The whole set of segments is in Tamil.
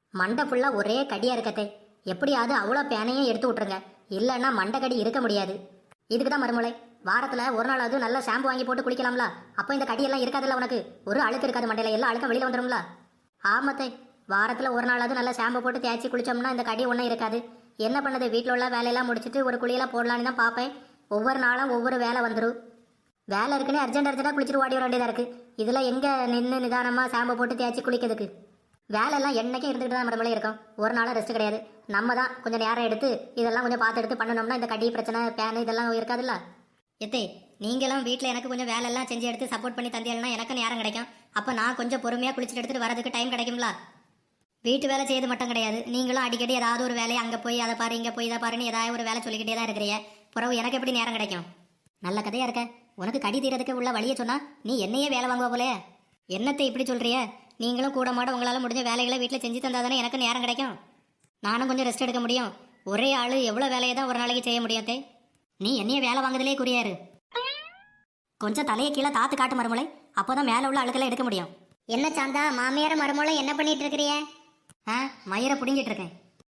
மண்டை ஃபுல்லா ஒரே கடியா இருக்கத்தே. எப்படியாவது அவ்வளோ பேனையும் எடுத்து விட்டுருங்க, இல்லைன்னா மண்டை கடி இருக்க முடியாது. இதுக்கு தான் மறுமலை, வாரத்துல ஒரு நாளாவது நல்ல ஷாம்பு வாங்கி போட்டு குளிக்கலாம்ல. அப்போ இந்த கடியெல்லாம் இருக்காதுல்ல, உனக்கு ஒரு அழுக்கு இருக்காது, மண்டையில எல்லா அழுக்கும் வெளியில வந்துடும்ல. ஆமத்தை, வாரத்துல ஒரு நாளாவது நல்ல ஷாம்பு போட்டு தேய்ச்சி குளிச்சோம்னா இந்த கடி ஒன்றும் இருக்காது. என்ன பண்ணது, வீட்டில் உள்ள வேலையெல்லாம் முடிச்சுட்டு ஒரு குளியெல்லாம் போடலான்னு தான் பார்ப்பேன். ஒவ்வொரு நாளும் ஒவ்வொரு வேலை வந்துடும். வேலை இருக்குன்னு அர்ஜென்ட்டாக குளிச்சுட்டு ஓடி வர வேண்டியதாக இருக்குது. இதில் எங்கே நின்று நிதானமாக ஷாம்பு போட்டு தேய்ச்சி குளிக்கிறதுக்கு? வேலையெல்லாம் என்னைக்கும் இருந்துகிட்டு தான் நம்மளே இருக்கும், ஒரு நாளும் ரெஸ்ட் கிடையாது. நம்ம தான் கொஞ்சம் நேரம் எடுத்து இதெல்லாம் கொஞ்சம் பார்த்து எடுத்து பண்ணணும்னா இந்த கடி பிரச்சனை பேனு இதெல்லாம் இருக்காதுல்ல. எத்தே, நீங்களும் வீட்டில் எனக்கு கொஞ்சம் வேலையெல்லாம் செஞ்சு எடுத்து சப்போர்ட் பண்ணி தந்தீங்கன்னா எனக்கு நேரம் கிடைக்கும். அப்போ நான் கொஞ்சம் பொறுமையாக குளிச்சுட்டு எடுத்துகிட்டு வரதுக்கு டைம் கிடைக்கும்ல. வீட்டு வேலை செய்யறது மட்டும் கிடையாது, நீங்களும் அடிக்கடி ஏதாவது ஒரு வேலையை அங்கே போய் அதை பாரு இங்கே போய் இதை பாருன்னு ஏதாவது ஒரு வேலை சொல்லிக்கிட்டே தான் இருக்கிறீங்க. பிறகு எனக்கு எப்படி நேரம் கிடைக்கும்? நல்ல கதையாக இருக்க. உனக்கு கடி தீரதுக்கு உள்ள வழியை சொன்னா நீ என்னையே வேலை வாங்குவ போலே. என்னத்தை இப்படி சொல்கிறிய? நீங்களும் கூட மாட உங்களால் முடிஞ்ச வேலைகளை வீட்டில் செஞ்சு தந்தால் தானே எனக்கு நேரம் கிடைக்கும். நானும் கொஞ்சம் ரெஸ்ட் எடுக்க முடியும். ஒரே ஆள் எவ்வளோ வேலையை தான் ஒரு நாளைக்கு செய்ய முடியாதே. நீ என்னையே வேலை வாங்குறதுலே குறியாரு. கொஞ்சம் தலையை கீழே தாத்து காட்டு மருமலை, அப்போதான் மேலே உள்ள அழுக்கெல்லாம் எடுக்க முடியும். என்ன சாந்தா, மாமியார மருமலை என்ன பண்ணிட்டு இருக்கிறிய? மயிரை புடுங்கிட்டு இருக்கேன்.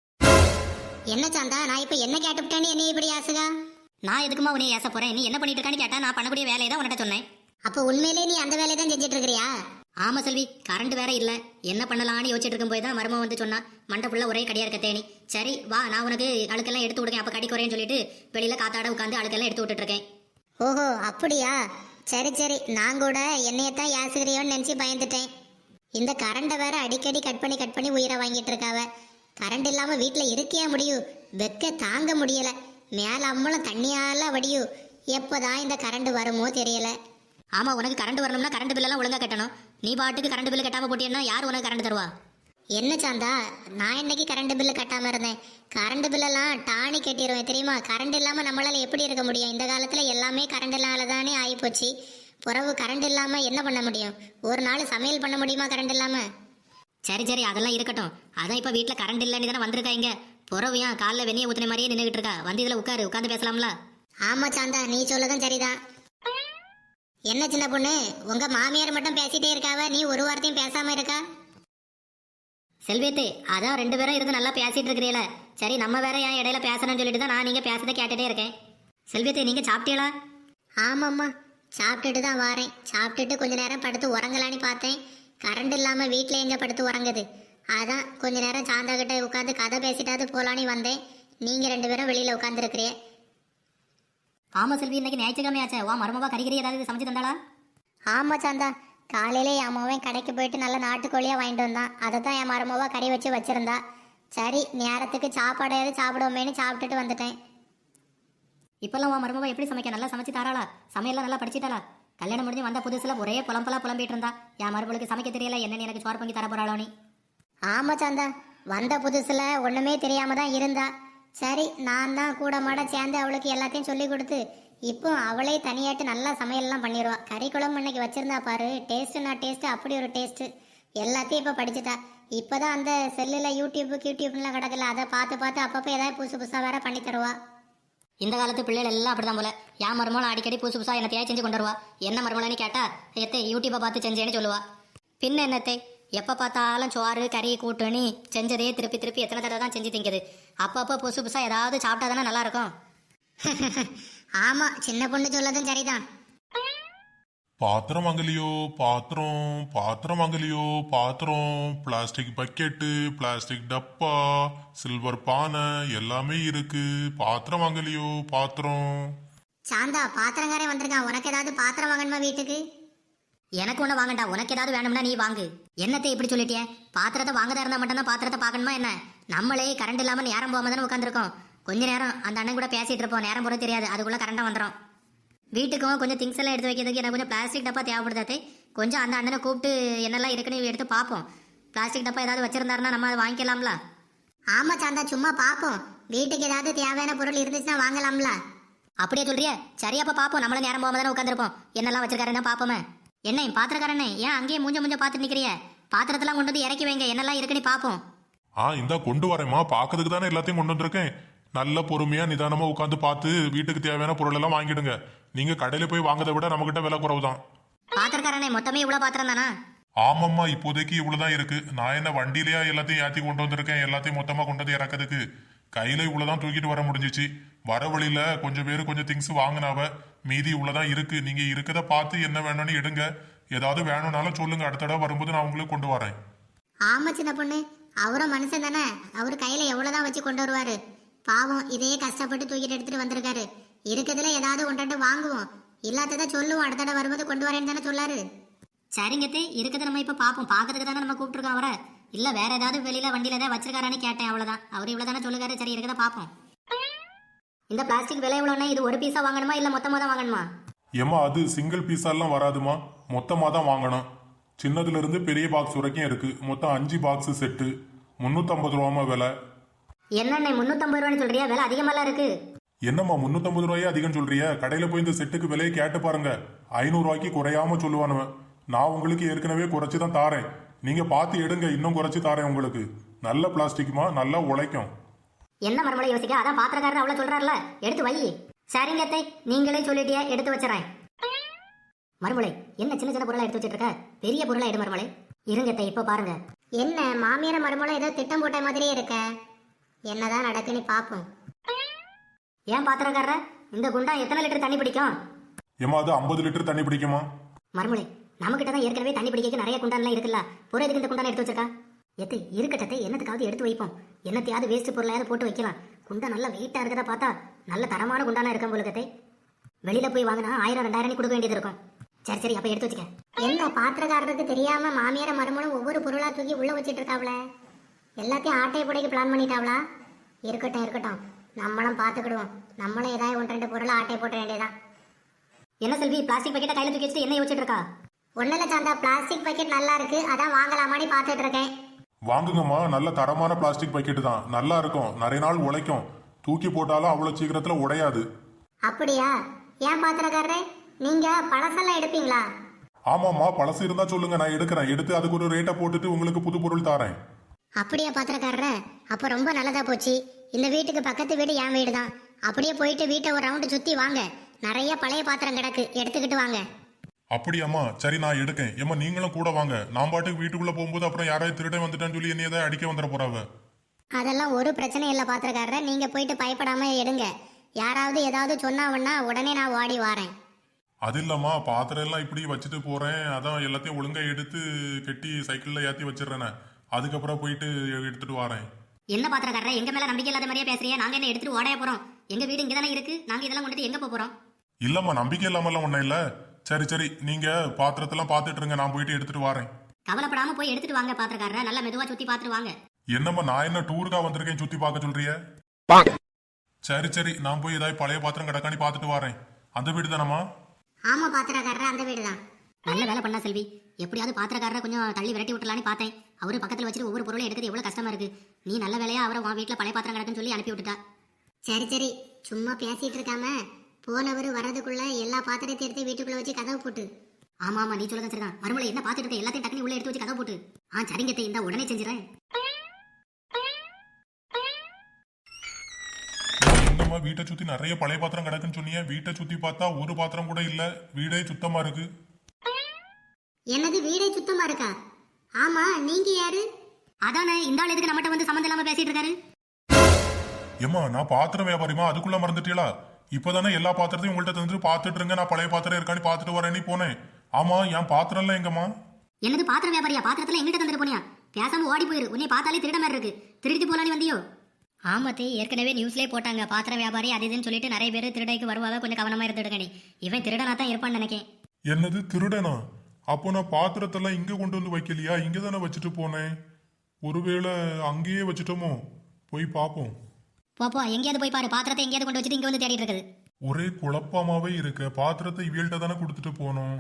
என்ன சாந்தா, நான் இப்போ என்ன கேட்டுவிட்டேன்னு என்ன இப்படி ஆசுகா? நான் எதுக்குமா உன்னை ஏச போறேன்? நீ என்ன பண்ணிட்டு இருக்கான்னு கேட்டா நான் பண்ணக்கூடிய வேலையை தான் உன்கிட்ட சொன்னேன். அப்போ உண்மையிலே நீ அந்த வேலையை தான் செஞ்சுட்டு இருக்கிறியா? ஆமா செல்வி, கரண்ட் வேற இல்ல, என்ன பண்ணலாம்னு யோசிச்சுட்டு இருக்கும் போய் தான் மரும வந்து சொன்னா மண்டை ஃபுல்லா ஒரே கடியா இருக்க தேனி. சரி வா, நான் உனக்கு அழுக்கெல்லாம் எடுத்து விடுங்க, அப்ப கடி குறையன்னு சொல்லிட்டு வெளியில காத்தாட உட்காந்து அழுக்கெல்லாம் எடுத்து விட்டுட்டு இருக்கேன். ஓஹோ அப்படியா, சரி சரி. நான் கூட என்னையத்தான் யாசுகிறியோன்னு நினைச்சு பயந்துட்டேன். இந்த கரண்டை வேற அடிக்கடி கட் பண்ணி உயிரை வாங்கிட்டு இருக்காவ. கரண்ட் இல்லாம வீட்டுல இருக்கியா முடியும்? வெக்க தாங்க முடியல. மேல அம்மளும் தண்ணியால வடியும். எப்போதான் இந்த கரண்ட் வருமோ தெரியல. ஆமா, உனக்கு கரண்ட் வரணும்னா கரண்ட் பில்லெல்லாம் ஒழுங்கா கட்டணும். நீ பாட்டுக்கு கரண்ட் பில்லு கட்டாம போட்டியன்னா யார் உனக்கு கரண்ட் தருவா? என்ன சாந்தா, நான் இன்னைக்கு கரண்ட் பில்லு கட்டாம இருந்தேன். கரண்ட் பில்லெல்லாம் டானி கட்டிடுவேன் தெரியுமா? கரண்ட் இல்லாம நம்மளால எப்படி இருக்க முடியும்? இந்த காலத்துல எல்லாமே கரண்ட்னால தானே ஆகிப்போச்சு. பிறகு கரண்ட் இல்லாம என்ன பண்ண முடியும்? ஒரு நாள் சமையல் பண்ண முடியுமா கரண்ட் இல்லாம? சரி சரி, அதெல்லாம் இருக்கட்டும். அதான் இப்ப வீட்டுல கரண்ட் இல்லைன்னு தானே வந்திருக்காங்க. புறவு ஏன் காலைல வெந்நிய ஊத்தின மாதிரியே நின்றுகிட்டு இருக்கா? வந்து இதுல உட்காந்து பேசலாம்ல. ஆமா சாந்தா, நீ சொல்லதான் சரிதான். என்ன சின்ன பொண்ணு, உங்க மாமியார் மட்டும் பேசிட்டே இருக்காவ, நீ ஒரு வார்த்தையும் பேசாம இருக்கா? செல்வியத்தே, அதான் ரெண்டு பேரும் இருந்து நல்லா பேசிட்டு இருக்கிறீல. சரி, நம்ம வேற ஏன் இடையில பேசணும்னு சொல்லிட்டு தான் நான் நீங்க பேசதை கேட்டுட்டே இருக்கேன். செல்வியத்தே, நீங்க சாப்பிட்டீங்களா? ஆமாம்மா, சாப்பிட்டுட்டு தான் வாரேன். சாப்பிட்டுட்டு கொஞ்ச நேரம் படுத்து உறங்கலான்னு பார்த்தேன். கரண்ட் இல்லாம வீட்டில் எங்க படுத்து உறங்குது? அதான் கொஞ்ச நேரம் சாந்தா கிட்ட உட்காந்து கதை பேசிட்டாவது போலான்னு வந்தேன். நீங்க ரெண்டு பேரும் வெளியில உட்காந்துருக்கிறீ. ஆமா செல்வி, இன்னைக்கு ஞாயிற்றுக்கிழமை ஆச்சே. வா, மருமவா கறிகறி ஏதாவது சமைச்சு தந்தாளா? ஆமா சாந்தா, காலையில என் அம்மாவன் கடைக்கு போயிட்டு நல்ல நாட்டுக்கோழியா வாங்கிட்டு வந்தான். அதை தான் என் மருமவா கறி வச்சு வச்சிருந்தா. சரி, நேரத்துக்கு சாப்பாடையாவது சாப்பிடுவோமேனு சாப்பிட்டுட்டு வந்துட்டேன். இப்பெல்லாம் உன் மருமவா எப்படி சமைக்க? நல்லா சமைச்சு தாராளா? சமையல்லாம் நல்லா படிச்சிட்டாளா? கல்யாணம் முடிஞ்சு வந்த புதுசுல ஒரே புலம்பிட்டு இருந்தா. என் மருமகளுக்கு சமைக்க தெரியல, என்னன்னு எனக்கு சோறு பொங்கி தர போறாளோ நீ. ஆமா சாந்தா, வந்த புதுசுல ஒண்ணுமே தெரியாம தான் இருந்தா. சரி, நான் தான் கூட மாட சேர்ந்து அவளுக்கு எல்லாத்தையும் சொல்லி கொடுத்து இப்போ அவளே தனியாட்டு நல்லா சமையல்லாம் பண்ணிடுவா. கறி குழம்பு இன்னைக்கு வச்சிருந்தா பாரு, டேஸ்ட்னா டேஸ்ட், அப்படி ஒரு டேஸ்ட். எல்லாத்தையும் இப்போ படிச்சுட்டா. இப்போதான் அந்த செல்லில் யூடியூப்லாம் கிடக்கல, அதை பார்த்து அப்பப்போ ஏதாவது புதுசா வேற பண்ணி தருவா. இந்த காலத்து பிள்ளைகள் எல்லாம் அப்படிதான் போல. என் மருமகளும் அடிக்கடி புதுசா என்னத்தையா செஞ்சு கொண்டு வருவா. என்ன மருமகள்னு கேட்டா எத்தை யூடியூப்பை பார்த்து செஞ்சேன்னு சொல்லுவா. பின்ன என்னத்தை, எப்போ பார்த்தாலும் சோறு கறி கூட்டுன்னு செஞ்சதே திருப்பி எத்தனை தடவை தான் செஞ்சு திங்குது. அப்பப்போ புதுசா ஏதாவது சாப்பிட்டா தானே நல்லா இருக்கும். ஆமா, சின்ன பொண்ணு சொல்லதும் சரிதான். பாத்திரம் வாங்கலையோ பாத்திரம், பிளாஸ்டிக் பக்கெட்டு, பிளாஸ்டிக் டப்பா, சில்வர் பானை எல்லாமே இருக்கு. பாத்திரம் வாங்கலையோ பாத்திரம். சாந்தா, பாத்திரங்காரே வந்திருக்கான். உனக்கு ஏதாவது பாத்திரம் வாங்கணுமா வீட்டுக்கு? எனக்கு ஒண்ணு வாங்கண்டா, உனக்கு ஏதாவது வேணும்னா நீ வாங்கு. என்னத்தை இப்படி சொல்லிட்டிய? பாத்திரத்தை வாங்கதா இருந்தா மட்டும் தான் பாத்திரத்தை பார்க்கணுமா என்ன? நம்மளே கரண்ட் இல்லாம நேரம் போகாம தானே உட்காந்துருக்கோம். கொஞ்ச நேரம் அந்த அண்ணன் கூட பேசிட்டு இருப்போம், நேரம் போறது தெரியாது, அதுக்குள்ள கரண்டா வந்துடும். வீட்டுக்கும் கொஞ்சம் திங்ஸ் எல்லாம் எடுத்து வைக்கிறதுக்கு எனக்கு கொஞ்சம் பிளாஸ்டிக் டப்பா தேவைப்படுதாத்தே. கொஞ்சம் அந்த அண்ணனை கூப்பிட்டு என்னெல்லாம் இருக்குன்னு எடுத்து பார்ப்போம். பிளாஸ்டிக் டப்பா ஏதாவது வச்சிருந்தாருன்னா நம்ம அதை வாங்கிக்கலாம்ல. ஆமா சாந்தா, சும்மா பார்ப்போம். வீட்டுக்கு ஏதாவது தேவையான பொருள் இருந்துச்சுன்னா வாங்கலாம்ல. அப்படியே சொல்றிய? சரியாப்பா பார்ப்போம். நம்மள நேரம் போகாம தானே உட்காந்துருப்போம், என்னெல்லாம் வச்சிருக்காருன்னா பார்ப்போமே. என்ன பாத்திரக்காரனே, ஏன் அங்கேயே மூஞ்ச பார்த்துட்டு நிக்கிறிய? பாத்திரத்தெல்லாம் கொண்டு வந்து இறக்கி வைங்க, என்னெல்லாம் இருக்குன்னு பார்ப்போம். இந்தா கொண்டு வரேம்மா. பார்க்கறதுக்கு தானே எல்லாத்தையும் கொண்டு வந்திருக்கேன். நல்ல பொறுமையா நிதானமா உட்காந்து பார்த்து வீட்டுக்கு தேவையான பொருள் எல்லாம் வாங்கிடுங்க. நீங்க கடையில போய் வாங்கதை விட நம்ம கிட்ட விலை குறவு தான். பாத்திரக்காரனே, மொத்தமே இவ்வளவு பாத்திரம் தானா? ஆமாம்மா, இப்போதைக்கு இவ்வளவுதான் இருக்கு. நான் என்ன வண்டியிலயா எல்லாத்தையும் ஏத்தி கொண்டு வந்திருக்கேன்? எல்லாத்தையும் மொத்தமா கொண்டு வந்து இறக்கிறதுக்கு கையில இவ்வளவுதான் தூக்கிட்டு வர முடிஞ்சிச்சு. வர வழியில கொஞ்சம் பேர் கொஞ்சம் திங்ஸ் வாங்கினாவ. மீதி இவ்வளவுதான் இருக்கு. நீங்க இருக்கத பார்த்து என்ன வேணும்னு எடுங்க. ஏதாவது வேணும்னாலும் சொல்லுங்க. அடுத்த தடவை வரும்போது நான் உங்களுக்கு கொண்டு வரேன். ஆமா சின்ன பொண்ணு, அவரும் மனுஷன் தானே. அவரு கையில எவ்வளவுதான் வச்சு கொண்டு வருவாரு. பாவம், இதையே கஷ்டப்பட்டு தூக்கிட்டு எடுத்துட்டு வந்திருக்காரு. இருக்கிறதுல ஏதாவது ஒன்றாட்டு வாங்குவோம், இல்லாததை சொல்லுவோம். அடுத்த தடவை வரும்போது கொண்டு வரேன்னு தானே சொல்லாரு. சரிங்கத்தே, இருக்கிறத நம்ம இப்ப பாப்போம். பாக்கிறதுக்கு தானே நம்ம கூப்பிட்டுருக்கோம் அவரை. இல்ல வேற ஏதாவது வெளியில வண்டியில ஏதாவது வச்சிருக்காரான்னு கேட்டேன், அவ்வளவுதான். அவர் இவ்வளவுதானே சொல்லுகாரு. சரி, இருக்கிறத பாப்போம். இந்த பிளாஸ்டிக் விலை எவ்வளோன்னா, இது ஒரு பீஸா வாங்கணுமா இல்ல மொத்தமா தான் வாங்கணுமா? ஏமா, அது சிங்கிள் பீஸாலாம் வராதுமா, மொத்தமா தான் வாங்கணும். சின்னதுல இருந்து பெரிய பாக்ஸ் வரைக்கும் இருக்கு. மொத்தம் 5 பாக்ஸ் செட்டு 350 ரூபாமா விலை. என்னண்ணே 350 ரூபான்னு சொல்றியா? விலை அதிகமாலாம் இருக்கு. என்னம்மா 350 ரூபாயே அதிகம் சொல்றிய? கடையில போய் இந்த செட்டுக்கு விலையை கேட்டு பாருங்க. 500 ரூபாய்க்கு குறையாம சொல்லுவானுவன். நான் உங்களுக்கு ஏற்கனவே குறைச்சு தான் தாரேன். நீங்க பார்த்து எடுங்க, இன்னும் குறைச்சு தாரேன் உங்களுக்கு. நல்ல பிளாஸ்டிக்மா, நல்லா உழைக்கும். என்ன மறுமலை யோசிக்க? அதான் பாத்திரக்காரர் அவ்வளவு சொல்றாருல, எடுத்து வை. சரிங்கத்தை, நீங்களே சொல்லிட்டியா, எடுத்து வச்சுறேன். மறுமலை, என்ன சின்ன சின்ன பொருளா எடுத்து வச்சிட்டு இருக்க? பெரிய பொருளா எடு மறுமலை. இருங்கத்தை, இப்ப பாருங்க. என்ன மாமியார மருமலை ஏதோ திட்டம் போட்ட மாதிரியே இருக்க. என்னதான் நடக்குன்னு பாப்போம். ஏன் பாத்திரக்காரர, இந்த குண்டா எத்தனை லிட்டர் தண்ணி பிடிக்கும்? ஏமா, அது 50 லிட்டர் தண்ணி பிடிக்குமா? மறுமலை, நம்மகிட்ட தான் ஏற்கனவே தண்ணி பிடிக்க நிறைய குண்டான்லாம் இருக்குல்ல. ஒரு எதுக்கு இந்த குண்டான எடுத்து வச்சிருக்கா? எத்தை இருக்கட்டத்தை, என்னத்துக்காவது எடுத்து வைப்போம். என்னத்தையாவது வேஸ்ட் பொருளையாவது போட்டு வைக்கலாம். குண்டா நல்லா வெயிட்டா இருக்கதா பார்த்தா நல்ல தரமான குண்டானா இருக்கும் போலுக்கத்தை. வெளியில போய் வாங்கினா 1000 2000 கொடுக்க வேண்டியது இருக்கும். சரி சரி, அப்ப எடுத்து வச்சுக்க. என்ன பாத்திரக்காரருக்கு தெரியாம மாமியார மருமலும் ஒவ்வொரு பொருளா தூக்கி உள்ள வச்சிட்டு இருக்காவல. எல்லாத்தையும் ஆட்டை புடைக்கு பிளான் பண்ணிட்டாவளா? இருக்கட்டும் இருக்கட்டும், நம்மளும் பாத்துக்கிடுவோம். நம்மளும் ஏதாவது 1-2 பொருளை ஆட்டை போட்ட வேண்டியதான். என்ன செல்வி, பிளாஸ்டிக் பாக்கெட்டை கையில தூக்கி வச்சுட்டு என்ன யோசிச்சுட்டு இருக்கா? ஒண்ணுல சாந்தா, பிளாஸ்டிக் பாக்கெட் நல்லா இருக்கு, அதான் வாங்கலாமான்னு பாத்துட்டு இருக்கேன். வாங்குங்கம்மா, நல்ல தரமான பிளாஸ்டிக் பாக்கெட்டு தான். நல்லா இருக்கும், நிறைய நாள் உழைக்கும். தூக்கி போட்டாலும் அவ்வளவு சீக்கிரத்துல உடையாது. அப்படியா? ஏன் பாத்திரக்காரரே, நீங்க பழசெல்லாம் எடுப்பீங்களா? ஆமாம்மா, பழசு இருந்தா சொல்லுங்க, நான் எடுக்கிறேன். எடுத்து அதுக்கு ஒரு ரேட்டை போட்டுட்டு உங்களுக்கு புது பொருள் தாரேன். அப்படியா பாத்திரக்காரரே? அப்ப ரொம்ப நல்லதா போச்சு. இந்த வீட்டுக்கு பக்கத்து வீடு என் வீடு தான். அப்படியே போயிட்டு வீட்டை ஒரு ரவுண்டு சுத்தி வாங்க. நிறைய பழைய பாத்திரம் கிடக்கு, எடுத்துக்கிட்டு வாங்க. அப்படியாம்மா, சரி நான் எடுக்கேன். ஏம்மா, நீங்களும் கூட வாங்க. நான் பாட்டுக்கு வீட்டுக்குள்ள போகும்போது அப்புறம் யாராவது திருடன் வந்துட்டான்னு சொல்லி என்ன ஏதாவது அடிக்க வந்துட போறாவ. அதெல்லாம் ஒரு பிரச்சனை இல்லை பாத்திரக்காரரே, நீங்க போயிட்டு பயப்படாம எடுங்க. யாராவது ஏதாவது சொன்னாவன்னா உடனே நான் ஓடி வாரேன். அது இல்லம்மா, பாத்திரம் எல்லாம் இப்படி வச்சுட்டு போறேன். அதான் எல்லாத்தையும் ஒழுங்கா எடுத்து கட்டி சைக்கிள்ல ஏத்தி வச்சிடறேன். அதுக்கப்புறம் போயிட்டு எடுத்துட்டு வரேன். என்ன பாத்திரக்காரர, எங்க மேல நம்பிக்கை இல்லாத மாதிரியே பேசுறியா? நாங்க என்ன எடுத்துட்டு ஓடைய போறோம்? எங்க வீடு இங்க தானே இருக்கு. நாங்க இதெல்லாம் கொண்டுட்டு எங்க போறோம்? இல்லம்மா, நம்பிக்கை இல்லாமலாம் ஒன்றும் இல்லை. சரி சரி, நீங்க பாத்திரத்தெல்லாம் பார்த்துட்டு இருங்க, நான் போயிட்டு எடுத்துட்டு வரேன். கவலைப்படாம போய் எடுத்துட்டு வாங்க பாத்திரக்காரர. நல்லா மெதுவா சுத்தி பாத்துட்டு வாங்க. என்னம்மா, நான் என்ன டூருக்கா வந்திருக்கேன் சுத்தி பார்க்க சொல்றிய? சரி சரி, நான் போய் ஏதாவது பழைய பாத்திரம் கிடக்கானி பார்த்துட்டு வரேன். அந்த வீடு தானம்மா? ஆமா பாத்திரக்காரரே, அந்த வீடு தான். நல்ல வேலை பண்ணா செல்வி. எப்படியாவது பாத்திரக்காரரை கொஞ்சம் தள்ளி விரட்டி விட்டுலான்னு பார்த்தேன். அவரு பக்கத்துல வச்சுட்டு ஒவ்வொரு பொருளையும் எடுக்கிறது எவ்வளவு கஷ்டமா இருக்கு. நீ நல்ல வேலையா அவரை உன் வீட்டுல பழைய பாத்திரம் கிடக்குன்னு சொல்லி அனுப்பி விட்டுட்டா. சரி சரி, சும்மா பேசிட்டு இருக்காம போனவர் வர்றதுக்குள்ள எல்லா பாத்திரத்தையும் எடுத்து வீட்டுக்குள்ள வச்சு கதவு போட்டு. ஆமா ஆமா, நீ சொல்லதான் சரிதான். மறுமலை, என்ன பாத்துட்டு இருக்க? எல்லாத்தையும் டக்குனு உள்ள எடுத்து வச்சு கதவு போட்டு. சரிங்கத்தை, இந்த உடனே செஞ்சிடறேன். என்னம்மா, வீட்டை சுத்தி நிறைய பழைய பாத்திரம் கிடக்குன்னு சொன்னீங்க. வீட்டை சுத்தி பார்த்தா ஒரு பாத்திரம் கூட இல்ல. வீடே சுத்தமா இருக்கு. என்னது, வீடே சுத்தமா இருக்கா? ஆமா, நீங்க யாரு? அதானே, இந்த ஆள் எதுக்கு நம்மகிட்ட வந்து சம்மந்தம் இல்லாம பேசிட்டு இருக்காரு? ஏம்மா, நான் பாத்திரம் வியாபாரிமா, அதுக்குள்ள மறந்துட்டீங்களா? இப்பதானே எல்லா பாத்திரத்தையும் உங்கள்கிட்ட தந்துட்டு பார்த்துட்டு இருங்க. நான் பழைய பாத்திரம் இருக்கான்னு பார்த்துட்டு வரேன்னு போனேன். ஆமா, என் பாத்திரம் எல்லாம் எங்கம்மா? என்னது பாத்திரம் வியாபாரியா? பாத்திரத்துல எங்கிட்ட தந்துட்டு போனியா? பேசாம ஓடி போயிரு. உன்னை பார்த்தாலே திருட மாதிரி இருக்கு. திருடிட்டு போலான்னு வந்தியோ? ஆமத்தே, ஏற்கனவே நியூஸ்லயே போட்டாங்க. பாத்திரம் வியாபாரி அது இதுன்னு சொல்லிட்டு நிறைய பேர் திருடைக்கு வருவாங்க. கொஞ்சம் கவனமா இருந்துடுங்க. இவன் திருடனா தான் இருப்பான்னு நினைக்கேன். என்னது, திருடனா? அப்போ நான் பாத்திரத்தெல்லாம் இங்க கொண்டு வந்து வைக்கலையா? இங்க தானே வச்சுட்டு போனேன். ஒருவேளை அங்கேயே வச்சுட்டோமோ? போய் பார்ப்போம். போப்போ, எங்கேயாவது போய் பாரு. பாத்திரத்தை எங்கேயாவது கொண்டு வச்சுட்டு இங்க வந்து தேடிட்டு இருக்குது. ஒரே குழப்பமாவே இருக்க. பாத்திரத்தை இவியல்கிட்ட தானே கொடுத்துட்டு போனோம்.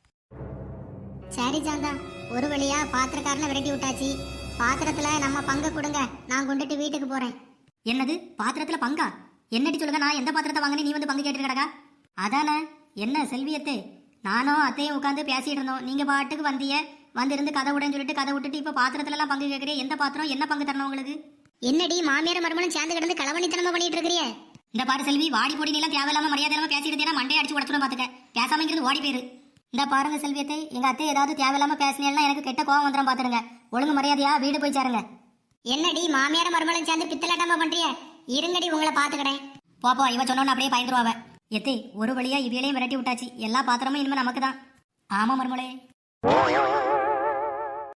சரி சாந்தா, ஒரு வழியா பாத்திரக்காரனை விரட்டி விட்டாச்சு. பாத்திரத்துல நம்ம பங்கு கொடுங்க, நான் கொண்டுட்டு வீட்டுக்கு போறேன். என்னது, பாத்திரத்துல பங்கா? என்னடி சொல்லுங்க. நான் எந்த பாத்திரத்தை வாங்கினே நீ வந்து பங்கு கேட்டு கிடக்கா? அதானே. என்ன செல்வியத்தே, நானும் அத்தையும் உட்காந்து பேசிட்டு இருந்தோம். நீங்க பாட்டுக்கு வந்திய, வந்திருந்து கதை விடன்னு சொல்லிட்டு கதை விட்டுட்டு இப்ப பாத்திரத்துல எல்லாம் பங்கு கேட்கறிய. எந்த பாத்திரம், என்ன பங்கு தரணும் உங்களுக்கு? என்னடி மாமியார மருமலும் சேர்ந்து கிடந்து களவணித்தனமா பண்ணிட்டு இருக்கிறிய? இந்த பாரு செல்வி, வாடி போடி எல்லாம் தேவையில்லாம மரியாதை இல்லாம பேசிட்டு மண்டையை அடிச்சு உடச்சுடும் பாத்துக்க. பேசாம இங்கிருந்து ஓடி போயிரு. இந்த பாருங்க செல்வியத்தை, எங்க அத்தை ஏதாவது தேவையில்லாம பேசினேன்னா எனக்கு கெட்ட கோவம் வந்துடும் பாத்துருங்க. ஒழுங்கு மரியாதையா வீடு போய் சேருங்க. என்னடி மாமியார் மருமகளும் சேர்ந்து பித்தலாட்டமா பண்றிய? இருங்கடி உங்களை பாத்துக்கிறேன். போப்போ, இவ சொன்னோன்னு அப்படியே பயந்துருவாவ. எத்தை, ஒரு வழியா இவையிலையும் விரட்டி விட்டாச்சு. எல்லா பாத்திரமும் இனிமே நமக்கு தான். ஆமா மருமகளே.